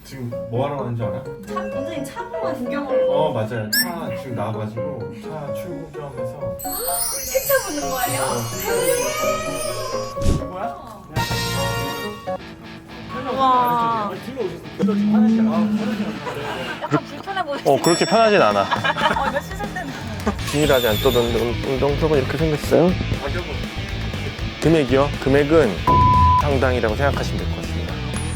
지금 뭐 하러 가는지 알아? 원장님 차 보고 구경을 맞아요. 차 지금 나와가지고 차 출고 겸해서 세차 보는 거예요? 뭐야? 와. 뒤로 오셨어요. 약간 불편해 보이시죠? 그렇게 편하진 않아. 이거 씻을 때는 균일하지 않던데 운동석은 이렇게 생겼어요. 가격은 금액이요? 금액은 상당이라고 생각하시면 될 것 같습니다.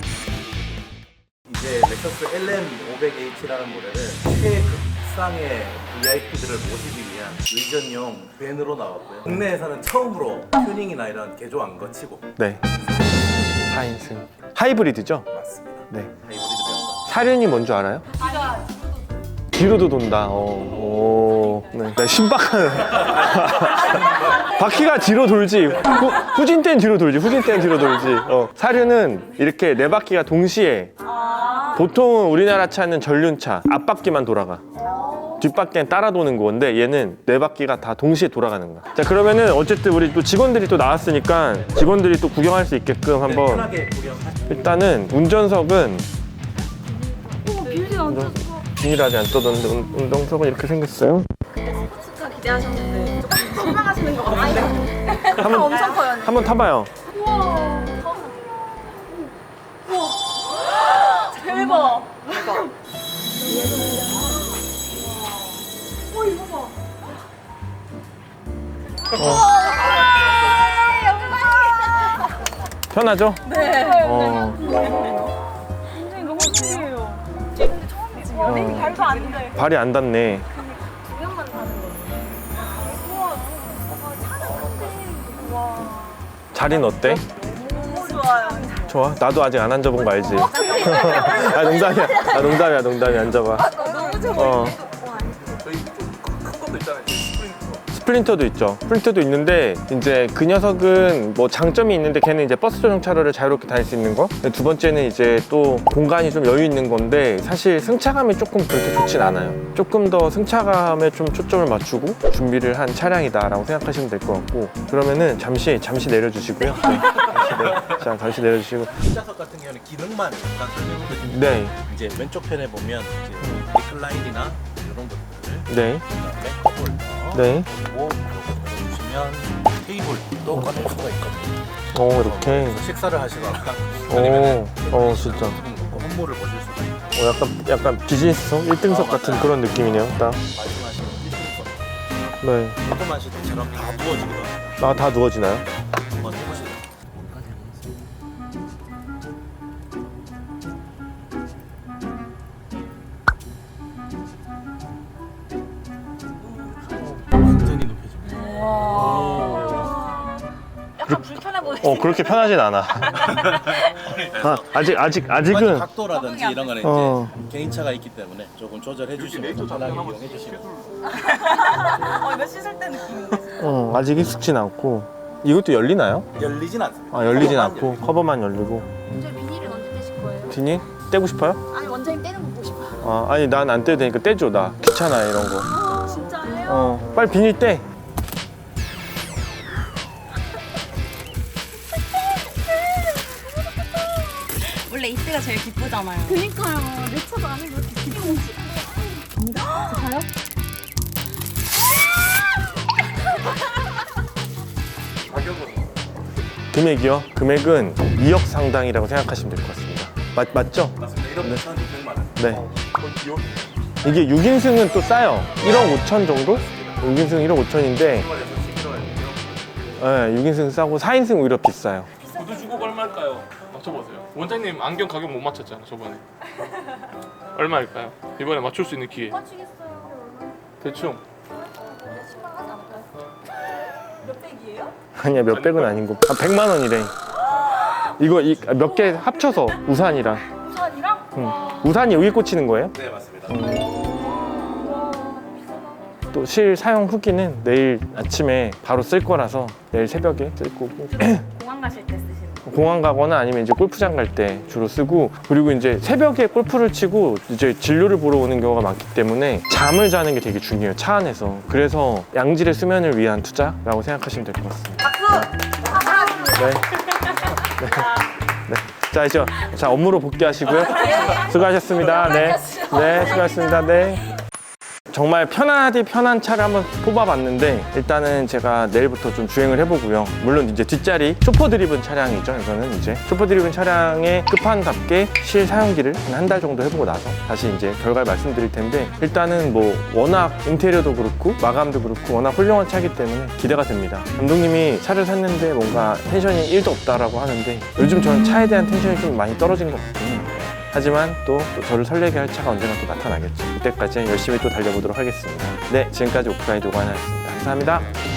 이제 렉서스 LM500H라는 모델은 최극상의 VIP들을 모시기 위한 의전용 밴으로 나왔고요. 국내에서는 처음으로 튜닝이나 이런 개조 안 거치고 네. 4인승. 하이브리드죠? 맞습니다. 네. 하이브리드 밴. 사륜이 뭔 줄 알아요? 뒤로도 돈다. 네. 네, 신박한. 바퀴가 뒤로 돌지. 후진 때는 뒤로 돌지. 후진 때는 뒤로 돌지. 사륜은 이렇게 네 바퀴가 동시에. 보통은 우리나라 차는 전륜차 앞바퀴만 돌아가. 뒷바퀴는 따라 도는 건데 얘는 네 바퀴가 다 동시에 돌아가는 거야. 자, 그러면은 어쨌든 우리 또 직원들이 또 나왔으니까 직원들이 또 구경할 수 있게끔 한번. 편하게 구경하시고 일단은 운전석은 빌딩 완전 균일하지 않던데 운동석은 이렇게 생겼어요. 스포츠카 기대하셨는데 조금 실망하시는 것 같아요. 한번 엄청 커요. 한번 타봐요. 우와. 대박. 이거 봐. 편하죠? 네. 어, 굉장히 너무 신기해요. 근데 처음이지. 연예인 발도 안 돼. 발이 안 닿네. 두 명만 타는 거지. 우와. 차는 큰데. 와. 자리는 어때? 너무 좋아요. 좋아? 나도 아직 안 앉아본 거 알지? 아, 농담이야. 아, 농담이야. 앉아봐. 너무 좋아. 저희 좀 큰 것도 있잖아요. 스플린터도 있죠. 스플린터도 있는데 이제 그 녀석은 뭐 장점이 있는데 걔는 이제 버스 전용 차로를 자유롭게 다닐 수 있는 거. 두 번째는 이제 또 공간이 좀 여유 있는 건데 사실 승차감이 조금 그렇게 좋진 않아요. 조금 더 승차감에 좀 초점을 맞추고 준비를 한 차량이다라고 생각하시면 될 것 같고, 그러면은 잠시 내려주시고요. 네. 자, 잠시 내려주시고. 뒷좌석 같은 경우는 기능만 잠깐 설명을 드리면 네, 이제 왼쪽 편에 보면 이제 리클라인이나 이런 것들, 네, 그다음에 컵홀더, 네. 그리고 이렇게 보시면 테이블도 꺼낼 수가 있거든요. 이렇게. 그래서 식사를 하시거나 오, 아니면 진짜. 홍보를 보실 수가 있고 약간 비즈니스석 1등석 같은 맞아요. 그런 느낌이네요. 딱. 말씀하시는 일등석 네. 조그마실 때처럼 다 부어지거든요. 다 누워지나요? 한번 해보시죠. 완전히 높여집니다. 약간 불편해 보이시죠? 그렇게 편하진 않아. 아직은. 각도라든지 이런 거는 어. 이제 개인차가 있기 때문에 조금 조절해 주시면 편하게 이용해 주시면 이거 씻을 때 느낌인데. 아직 익숙진 않고. 이것도 열리나요? 열리진 않습니다. 열리진 커버만 않고 열리고. 커버만 열리고. 원장님 비닐은 언제 떼실 거예요? 비닐 떼고 싶어요? 아니 원장님 떼는 거 보고 싶어요. 아니 난 안 떼도 되니까 떼줘. 나 귀찮아 이런 거. 아 진짜예요? 빨리 비닐 떼. 원래 이때가 제일 기쁘잖아요. 그니까요. 내 차도 아니고 이렇게 기쁜지. 갑니다. 가요? 금액이요? 금액은 2억 상당이라고 생각하시면 될 것 같습니다. 맞죠? 맞습니다. 이런 거 1,600만 원. 네. 이게 6인승은 또 싸요. 1억 5천 정도? 6인승 1억 5천인데, 네, 6인승 싸고 4인승 오히려 비싸요. 구두 주고 얼마일까요? 맞춰보세요. 원장님 안경 가격 못 맞췄잖아 저번에. 얼마일까요? 이번에 맞출 수 있는 기회. 맞추겠어요. 대충. 10만 하지 않을까요? 몇 백이에요? 아니야, 몇 백은 아니고. 100만 원이래. 이거 몇 개 합쳐서 우산이랑. 우산이랑? 우산이 여기 꽂히는 거예요? 네, 맞습니다. 또 실 사용 후기는 내일 아침에 바로 쓸 거라서 내일 새벽에 쓸 거고. 공항 가실 때 쓰시는 거. 공항 가거나 아니면 이제 골프장 갈 때 주로 쓰고, 그리고 이제 새벽에 골프를 치고 이제 진료를 보러 오는 경우가 많기 때문에 잠을 자는 게 되게 중요해요, 차 안에서. 그래서 양질의 수면을 위한 투자라고 생각하시면 될 것 같습니다. 박수! 네. 네. 네. 자, 업무로 복귀하시고요. 수고하셨습니다. 네. 네, 수고하셨습니다. 네. 정말 편하디 편한 차를 한번 뽑아봤는데 일단은 제가 내일부터 좀 주행을 해보고요. 물론 이제 뒷자리 쇼퍼 드리븐 차량이죠. 이거는 이제 쇼퍼 드리븐 차량의 끝판답게 실사용기를 한 달 정도 해보고 나서 다시 이제 결과를 말씀드릴 텐데 일단은 뭐 워낙 인테리어도 그렇고 마감도 그렇고 워낙 훌륭한 차이기 때문에 기대가 됩니다. 감독님이 차를 샀는데 뭔가 텐션이 1도 없다라고 하는데 요즘 저는 차에 대한 텐션이 좀 많이 떨어진 것 같아요. 하지만 또 저를 설레게 할 차가 언젠가 또 나타나겠죠. 그때까지 열심히 또 달려보도록 하겠습니다. 네, 지금까지 오프라인 도관이었습니다. 감사합니다.